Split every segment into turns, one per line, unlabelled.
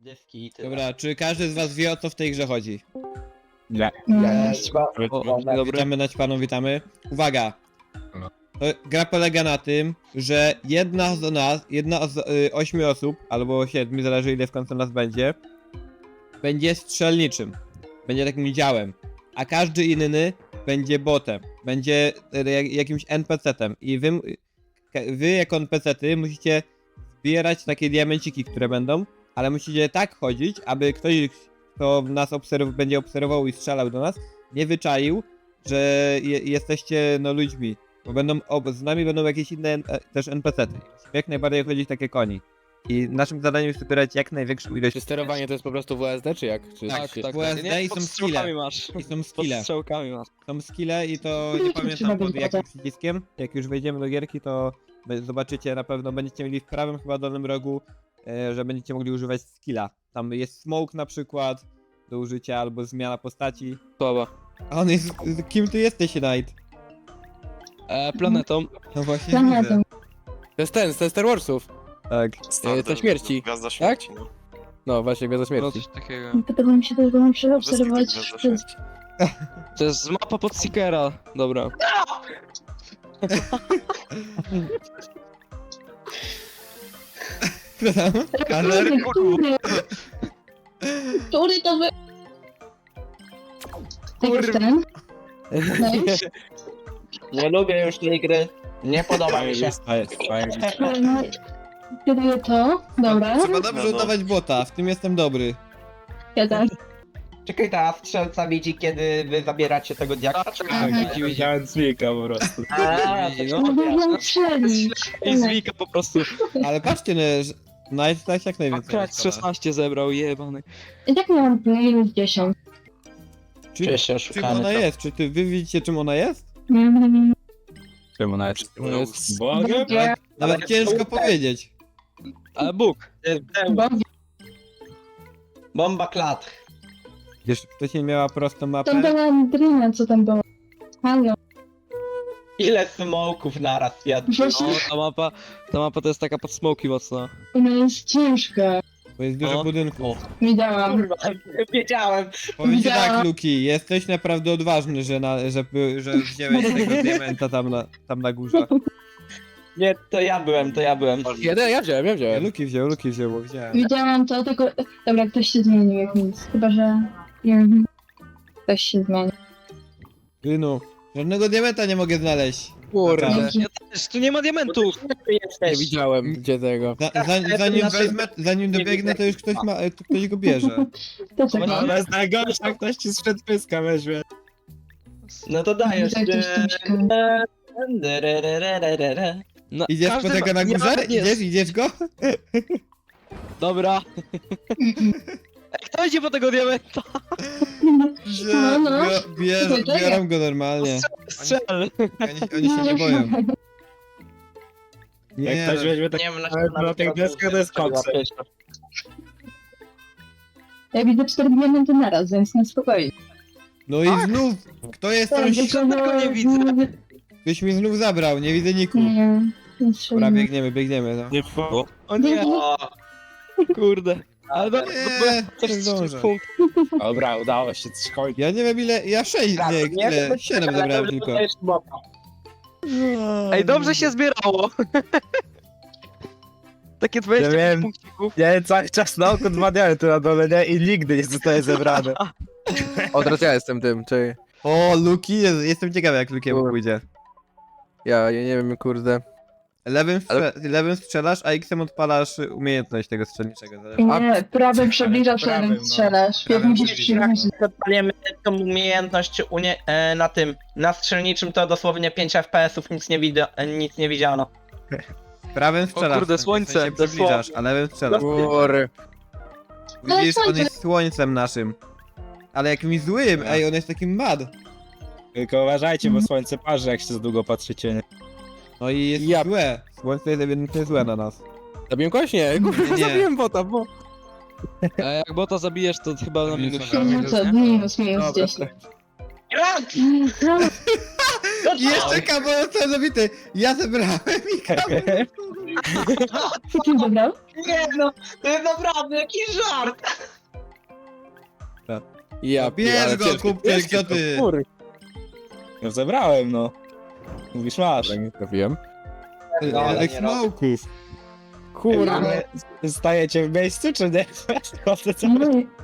Dyski i tyle.
Dobra, czy każdy z was wie, o co w tej grze chodzi?
Nie.
Witamy naćpaną, witamy. Uwaga!
No.
Gra polega na tym, że jedna z 8 osób, albo 7, zależy ile w końcu nas będzie strzelniczym. Będzie takim działem. A każdy inny będzie botem. Będzie jakimś NPC-tem. I wy jako NPC-ty musicie zbierać takie diamenciki, które będą, ale musicie tak chodzić, aby ktoś, kto nas będzie obserwował i strzelał do nas, nie wyczaił, że jesteście ludźmi. Bo z nami będą jakieś inne też NPC-ty. Jak najbardziej chodzić takie koni. I naszym zadaniem jest zbierać jak największą ilość.
Czy sterowanie to jest po prostu WSD, czy jak? Czy
Tak,
czy-
tak. WSD i są skille.
masz.
I są
Pod
skille.
strzałkami masz.
Są skille i to nie pamiętam pod jakim przyciskiem. Jak już wejdziemy do gierki, to zobaczycie, na pewno będziecie mieli w prawym chyba dolnym rogu, że będziecie mogli używać skilla. Tam jest smoke na przykład do użycia, albo zmiana postaci.
Słaba.
A on jest... Kim ty jesteś, Knight?
Planetą.
No właśnie
Planetą.
widzę.
To jest ten, z Star Warsów.
Tak.
Ze śmierci.
Gwiazda śmierci, no.
No właśnie, Gwiazda
No
śmierci.
coś takiego.
Podoba mi się też, bo muszę obserwować
Gwiazda
przez...
śmierci.
To jest mapa pod Seekera. Dobra.
Kto tam? Kazer?
Który to wy... Tak jest ten? No i
Nie lubię już tej gry. Nie podoba mi się.
no, kieruję to, dobra,
Trzeba dobrze
No, no.
udawać bota, w tym jestem dobry.
ja też.
Czekaj, ta strzelca widzi, kiedy wy zabieracie tego diaksa? Czy...
Aha.
Widziałem Zwika po prostu.
No bo wiem strzelić.
I zwika po prostu.
Ale patrzcie, Knight tak jak najwięcej.
Akurat
dostała.
16 zebrał, jebany.
I tak miałam minus 10.
Czuję się
Czym
oszukany.
ona jest? Czy wy widzicie, czym ona jest?
Mhm.
Czemu ona jest?
To jest...
Bogiem?
Nawet ciężko powiedzieć.
Ale Bóg.
Bo
Bomba klat.
Wiesz, wcześniej miała prostą
tam
mapę.
była Drina, co tam było. Halo.
Ile smoków naraz jadł?
Właśnie
No, ta mapa to jest taka pod smoki mocna.
ona jest ciężka.
Bo jest dużo
O.
budynków.
Widziałam.
Kurwa, wiedziałem.
Powiem ci
Widziałam.
tak, Luki, jesteś naprawdę odważny, że wziąłeś tego diamenta tam na górze.
Nie, to ja byłem.
Jeden, ja wziąłem.
Luki wziął, bo wziąłem.
Widziałam to, tylko... Dobra, ktoś się zmienił jak nic. Chyba, że... Mhm. Ktoś się zmienił.
Rynu, żadnego diamenta nie mogę znaleźć.
Kurde.
Dzięki.
Ja też, tu nie ma diamentów.
Nie widziałem gdzie tego.
Zanim dobiegnę, to już ktoś go bierze.
To czekaj.
Ona jest najgorsza, ktoś ci sprzed pyska weźmie.
No to dajesz.
Tutaj ktoś tam mieszka.
No,
Idziesz po
każdy
tego na
nie
górze?
ma- nie-
Idziesz go?
Dobra. Ej, kto idzie po tego diamenta?
No, no.
Biorą go normalnie.
Strzel.
Oni się nie boją.
Jak
Nie,
ktoś weźmie tak
Nie wiem,
na tych deskach, to jest koksem.
Ja widzę 4 diamenty naraz, więc na spokojnie.
no i znów, kto jest tam?
żadnego nie widzę.
Ktoś mi znów zabrał, nie widzę niku.
Nie, nie
Dobra, biegniemy. No.
Nie po...
O nie, kurde. Ale do,
Nie,
coś
nie zdążę.
punkt.
Dobra, udało się, coś kończy.
Ja nie wiem ile, ja 6, nie, ile, 7 zabrałem tylko.
Ej, dobrze się zbierało. Takie 20
Ja wiem.
punkcików.
Nie, cały czas na oko 2 diamenty na dole, nie? I nigdy nie zostaje zebrane.
O, teraz ja jestem tym, czy...
O, Luki, jestem ciekawy jak Lukiemu
Kurde.
pójdzie.
Ja nie wiem, kurde.
Lewym strzelasz, a X-em odpalasz umiejętność tego strzelniczego. zależy.
Nie, prawym przybliżasz,
prawym,
lewym
no.
strzelasz. Jak
Prawym
musisz
przybliżasz.
przybliżyć.
Odpaliemy tą umiejętność na tym, na strzelniczym to dosłownie 5 FPS-ów, nic nie widziano.
Prawym strzelasz,
kurde,
w sensie
słońce,
się przybliżasz, a lewym strzelasz.
Kurde.
Widzisz, on jest słońcem naszym. Ale jakimś złym, ej, on jest takim mad.
Tylko uważajcie, bo słońce parzy, jak się za długo patrzycie, nie?
No i jest
Ja-
złe. Słońce jest ewidentnie złe na nas.
Zabiłem kogoś? Nie, kurde,
Nie.
zabiłem bota, bo...
A jak bota zabijesz, to chyba na minus.
No co, minus
Dobra.
10.
I jeszcze kabel zabity. Ja zebrałem i kabel.
Co ty dobrał?
Nie no, to jest naprawdę jakiś żart.
Ja
Bierz go, kupczyk, co ty?
Kur...
No zebrałem, no. Mówisz, masz.
Nie trafiłem.
ale
Ale
nie robię.
smoków.
Kurwa.
Ale stajecie w miejscu, czy nie? Chodzę co?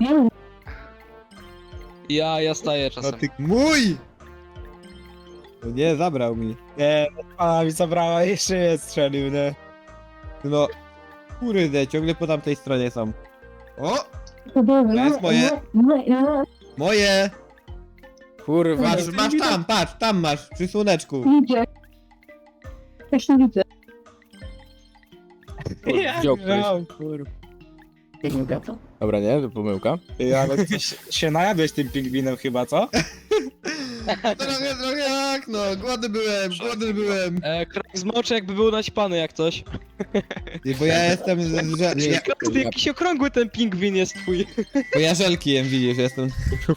Ja staję
No
czasem.
ty mój! No nie, zabrał mi.
Nie, pana mi zabrała i jeszcze mnie strzelił, nie?
No, kurde, ciągle po tamtej stronie są. O!
To
jest moje. Moje!
Kurwa.
Masz tam, patrz, tam masz, przy słoneczku.
Widzę. Też nie widzę.
Wziął ktoś. Dobra, nie? To pomyłka.
Ale ty się najadłeś tym pingwinem chyba, co?
Trochę jak, no, głodny byłem.
Krak zmoczy jakby był naćpany jak coś.
Bo ja jestem,
Jakiś okrągły ten pingwin jest twój.
bo ja żelki jem, widzisz, jestem,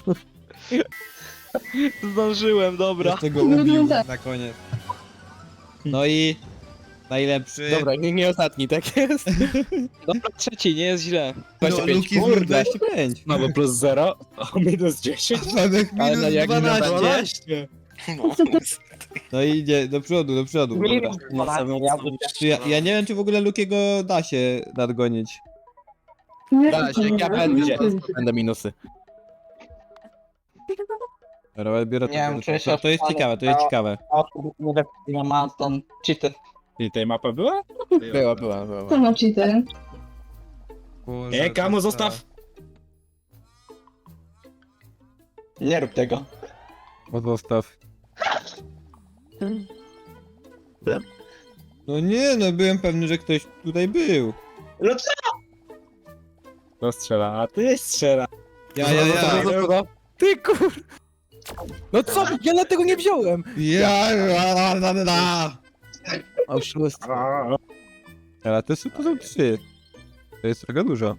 Zdążyłem, dobra.
jeszcze go ubił na koniec. No i najlepszy.
Dobra, nie ostatni, tak jest.
Dobra, trzeci, nie jest źle.
No,
25,
Luki z
kurde.
25.
No bo plus 0, a minus 10.
Mamy
Ale
minus
jak
12.
12.
No i idzie do przodu, Dobra. Ja nie wiem, czy w ogóle Lukiego da się nadgonić.
Da się, ja będę minusy.
Dobra, biorę
Nie wiem, czuję się
to jest ciekawe, to jest ciekawe.
Ja mam ten cheaty.
I tej mapa była?
Była.
To ma cheater.
Nie, Kamu, zostaw!
Nie rób tego.
Zostaw. No nie, no byłem pewny, że ktoś tutaj był.
No co?
To strzela, a ty strzela.
Ja.
Ty kur... No co? Ja dlatego nie wziąłem. Oszustwo.
Ale to są 3. To jest trochę dużo.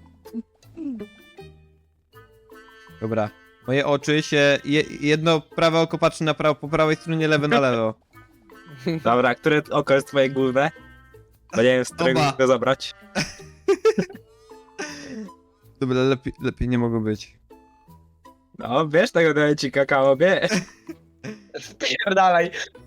Dobra. Moje oczy się... jedno prawe oko patrzy na po prawej stronie, lewe na lewo.
Dobra, które oko jest twoje główne? Bo nie wiem, z którego
Oba.
go zabrać.
Dobra, lepiej nie mogło być.
No, wiesz tego daję ci kakao, wie?
Spierdalaj.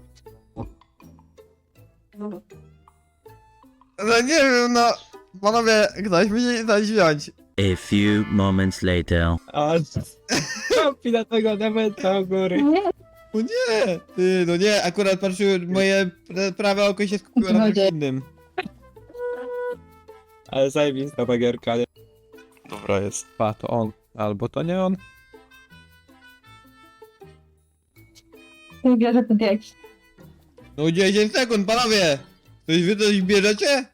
No nie wiem, no... Panowie, ktoś musi coś wziąć.
A few moments later.
O, kopi na tego dementa u góry.
Nie,
O nie! Ty, no nie, akurat patrzyłem, moje prawe oko się skupiło na czymś innym.
Ale zajebista ta gierka, nie?
Dobra jest. Pa, to on. Albo to nie on.
nie bierze ten tekst.
No 10 sekund, panowie! Wy coś bierzecie?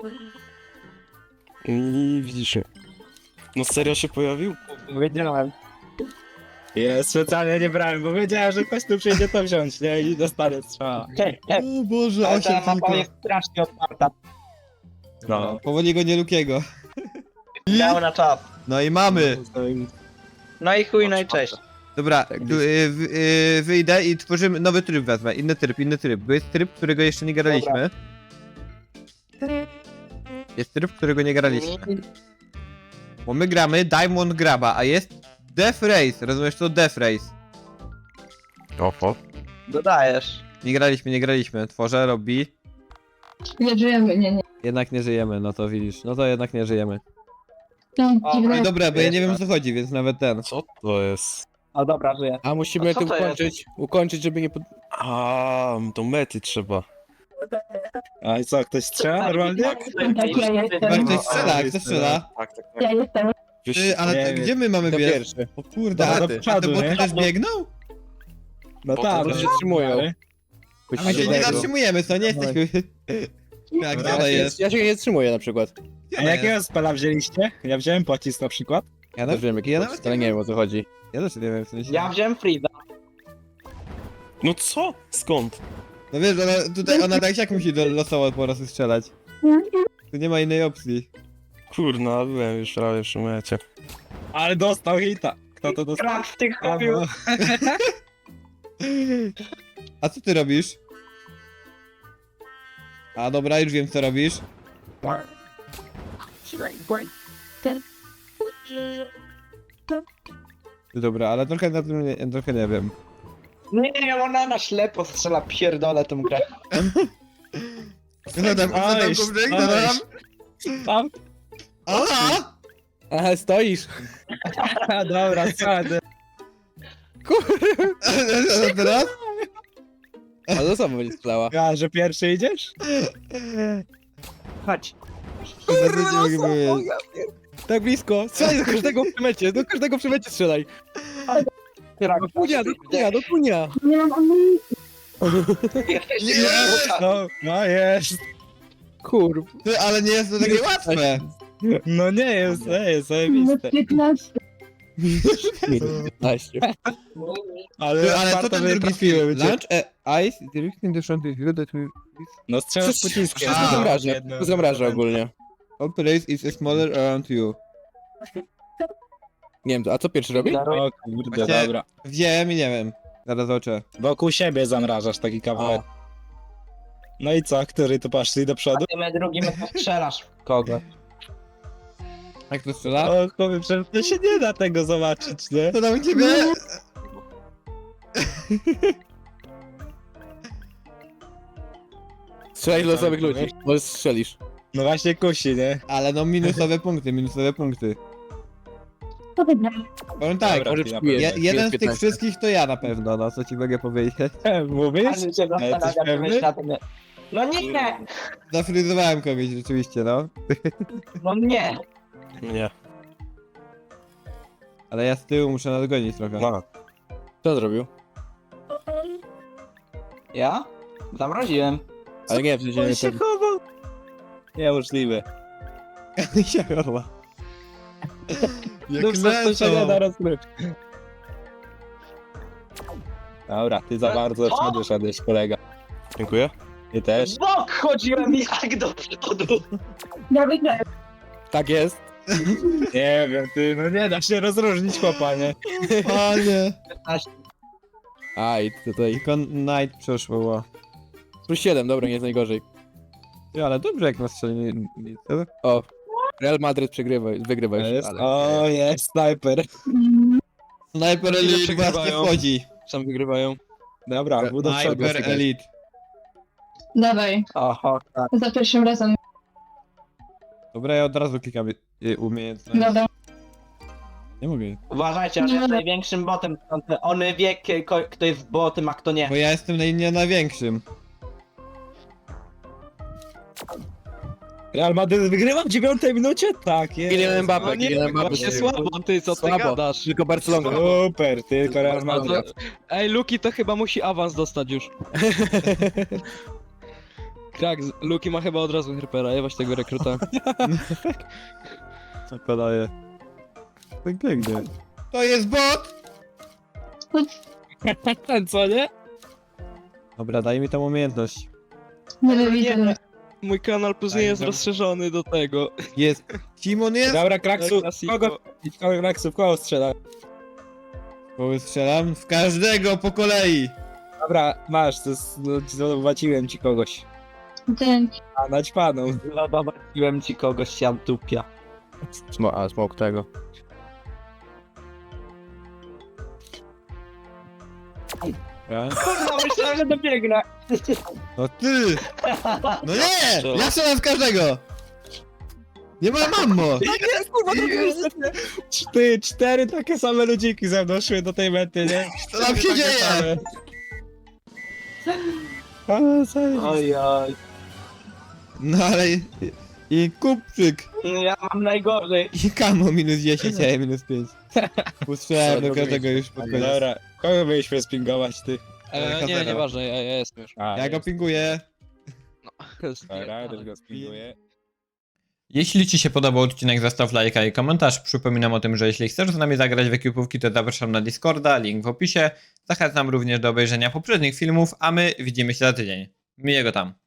I widzisz się. No serio się pojawił?
Wiedziałem. Ja specjalnie nie brałem, bo wiedziałem, że ktoś tu przyjdzie to wziąć, nie? I dostanę strzała.
O Boże,
Ale
8
ta mapa
tylko.
jest strasznie otwarta.
No.
Powoli go nie Lukiego.
Miał na czas.
No i mamy.
No i chuj, no i cześć.
Dobra, wyjdę i tworzymy nowy tryb wezmę. Inny tryb. Bo jest tryb, którego jeszcze nie graliśmy. Jest tryb, którego nie graliśmy. Bo my gramy Diamond Graba, a jest Death Race. Rozumiesz to? Death Race.
Oho.
Dodajesz.
Nie graliśmy. Tworzę, robi.
Nie żyjemy, nie.
Jednak nie żyjemy, no to widzisz. No to jednak nie żyjemy.
No,
O,
dziwne.
No dobra, bo ja nie wiem o co chodzi, więc nawet ten.
Co to jest?
O dobra, żyję.
A musimy
A co
to
to
ukończyć, żeby nie...
A, to mety trzeba.
A i co, ktoś strzela normalnie?
Tak, ja
Chyba
jestem.
ktoś strzela, kto strzela?
Tak, tak,
Ja jestem.
Ty, ale
Nie
to,
wiem.
gdzie my mamy
To
biec?
pierwszy.
O kurde,
Dobra,
a
do
te
przodu,
boty
nie?
też biegną?
No
Bo
tak,
to
się wstrzymują.
A my się nie zatrzymujemy, co? Nie jesteśmy... Tak, gdzie ona jest?
Ja się nie zatrzymuję na przykład.
A jakiego spela wzięliście? Ja wziąłem pocisk na przykład.
Ja
Też wiem jaki
ja
jest, ale nie wiem o co chodzi.
Ja też nie wiem, w sensie...
Ja wziąłem Freeza.
No co? Skąd?
No wiesz, ona tak jak musi losowo po prostu strzelać. Tu nie ma innej opcji.
Kurna, byłem już prawie przy mecie.
Ale dostał hita. Kto to dostał?
Krak w tych
A,
chopił.
no.
A co ty robisz? A dobra, już wiem co robisz. Dobra, ale trochę na tym trochę nie wiem.
Nie, ona na ślepo strzela, pierdolę tą grę.
Co tam,
Oj,
Kubrzyk? Co
oj.
tam?
Tam?
Aha!
Aha, stoisz.
A, dobra, schody.
A teraz?
A to samo będzie strzelała.
A, że pierwszy idziesz?
Chodź.
Kurwa, no co?
Tak blisko. Strzelaj do każdego w przemecie. Do każdego w przemecie strzelaj. Do kunia, do kunia, do kunia.
Nie mam amunicji.
No jest.
Kurwa.
Ty, ale nie jest to takie łatwe.
No nie jest
No
zajebiste.
15.
15.
Ale,
Ty, ale co
warto
ten
by
drugi
trafiły
film?
cię.
Lunch ice directing the front of you that we...
No strzelasz pociskiem.
Wszystko zamraża. Wszystko zamraża ogólnie.
All place is smaller around you.
Nie wiem, a co pierwszy robi?
O kurde,
Właśnie-
dobra.
Wziąłem i nie wiem. Zaraz zobaczę.
Wokół siebie zamrażasz taki kawałek. No i co, który tu poszli do przodu?
Ty drugim strzelasz. Kogo?
Jak to strzela?
O chłopie, przecież to się nie da tego zobaczyć, nie?
To tam u ciebie?
Strzelaj do losowych ludzi. Może strzelisz.
No właśnie kusi, nie?
Ale no minusowe punkty, minusowe punkty.
To wygram.
Powiem tak,
Dobra,
może
ty na
przyjmujesz.
pewno.
jeden z tych
15.
wszystkich to ja na pewno, no co ci mogę powiedzieć.
Mówisz?
Ale cię
jesteś
zastanawiam,
pewny?
myśl na tym. No nie!
Zafryzowałem kogoś rzeczywiście, no.
No nie!
Nie.
Ale ja z tyłu muszę nadgonić trochę.
Ma.
Co zrobił?
Ja? Zamroziłem.
Ale nie, w sensie
On
nie
się
ten...
chował. Niemożliwe.
się chowa. Jak
No to się nie da
lecą.
rozgrywki. Dobra, ty za bardzo
Co?
szedłeś, kolega.
Dziękuję.
Ty też.
W bok chodziłem jak do przodu.
Ja wygrałem.
Tak jest.
Nie wiem, ty, no nie da się rozróżnić chłopa, nie?
Panie.
Aj, tutaj.
Tylko night przeszło, ło.
Plus 7, dobra, nie jest najgorzej.
Ja, ale dobrze jak na strzelnie.
O. Real Madrid wygrywa już.
Jest,
Ale...
o, jest snajper.
Sniper
Ile
Elite właśnie
przegrywają?
wchodzi.
Sam wygrywają.
Dobra, był do przodu.
Sniper Elite.
Dawaj.
Oho, tak.
Za pierwszym razem.
Dobra, ja od razu klikam umiejętność.
Dobra.
Nie mogę.
Uważajcie, on jest największym botem. On wie, kto jest botem, a kto nie.
Bo ja jestem nie największym.
Real Madrid wygrywa w 9 minucie? Tak, jest.
Kylian Mbappé,
No nie,
Kylian Mbappé.
właśnie słabo, ty co ty
Słabo.
gadasz?
Tylko Barcelona.
Super, tylko Real Madrid.
Ej, Luki to chyba musi awans dostać już. Krak, Luki ma chyba od razu hypera, jebać tego rekruta.
Co podaje? Tak pięknie. To jest bot!
Ten co, nie?
Dobra, daj mi tą umiejętność.
Nie widzę.
Mój kanal później jest rozszerzony do tego.
Jest. Kimon jest?
Dobra, Kraksu,
Klasiko.
Kraksu, w kogo strzela?
Bo strzelam w każdego po kolei.
Dobra, masz, to jest, no, zobaczyłem ci kogoś.
Dzięki.
A, naćpaną.
Zobaczyłem ci kogoś, siam tupia.
Smoke tego.
Ja?
Kurwa, myślałem, że dobiegnę.
No ty! No nie! Ja strzelam w każdego! Nie ma mammo!
Ty, 4 takie same ludziki ze mną szły do tej mety, nie?
Co tam się dzieje?
Oj, oj.
No ale... I Kupczyk!
Ja mam najgorzej.
I Kamo minus 10, a ja minus 5. Ustrzelałem do każdego już pod koniec.
Dobra, kogo mieliśmy spingować, ty?
Nie, nieważne, ja jestem już.
A,
Ja go
jest.
pinguję.
Dobra, też go spinguję.
Jeśli Ci się podobał odcinek, zostaw lajka i komentarz. Przypominam o tym, że jeśli chcesz z nami zagrać w ekipówki, to zapraszam na Discorda, link w opisie. Zachęcam również do obejrzenia poprzednich filmów, a my widzimy się za tydzień. Miłego tam.